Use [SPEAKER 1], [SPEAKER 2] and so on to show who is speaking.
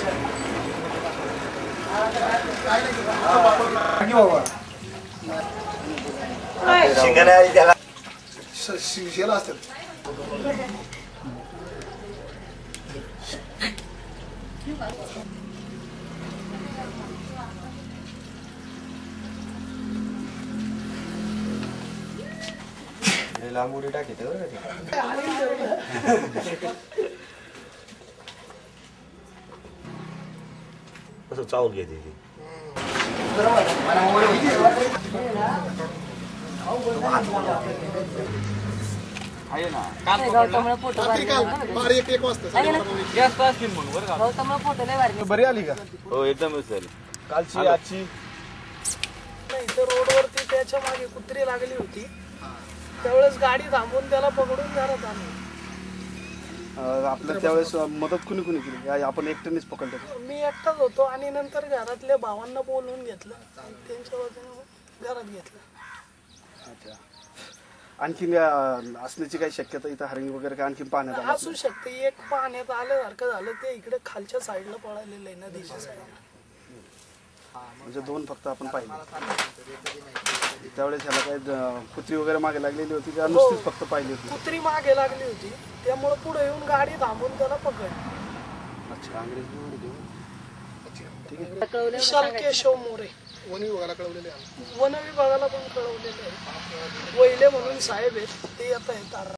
[SPEAKER 1] शिक्षेला असतात.
[SPEAKER 2] लांबुडी टाकीत
[SPEAKER 3] असं चावल घेते ती.
[SPEAKER 4] आहे ना गौतमला फोटो फोटो लय भारी.
[SPEAKER 1] बरी आली का?
[SPEAKER 2] हो एकदमच झाली
[SPEAKER 1] कालची आजची.
[SPEAKER 5] इथं रोडवरती त्याच्या मागे कुत्री लागली होती, त्यावेळेस गाडी थांबवून त्याला पकडून घरात आणलं.
[SPEAKER 1] आपल्या त्यावेळेस मदत कुणी कुणी केली? आपण एकट्यानेच पकडलं?
[SPEAKER 5] मी एकटाच होतो आणि नंतर घरातल्या भावांना बोलवून घेतलं आणि त्यांच्या वतीने घरात घेतलं.
[SPEAKER 1] अच्छा. आणखीन असण्याची काही शक्यता इथं हरिण वगैरे काय आणखीन पाहण्यात आलं?
[SPEAKER 5] असू शकते. एक पाहण्यात आल्यासारखं झालं, ते इकडे खालच्या साईडला पळालेलं आहे, नदीच्या साईडला.
[SPEAKER 1] म्हणजे दोन फक्त आपण पाहिले. त्यावेळेस ह्याला काय कुत्री वगैरे मागे लागलेली होती का नुसतीच फक्त पाहिली होती?
[SPEAKER 5] कुत्री मागे लागली होती, त्यामुळे पुढे येऊन गाडी थांबून त्याला पकडली.
[SPEAKER 1] अच्छा.
[SPEAKER 5] विशाल केशव मोरे, वन विभागाला कळवलेले आहे. वन विभागाला पण कळवलेले आहे. वहिले म्हणून साहेब आहेत, ते येत आहेत.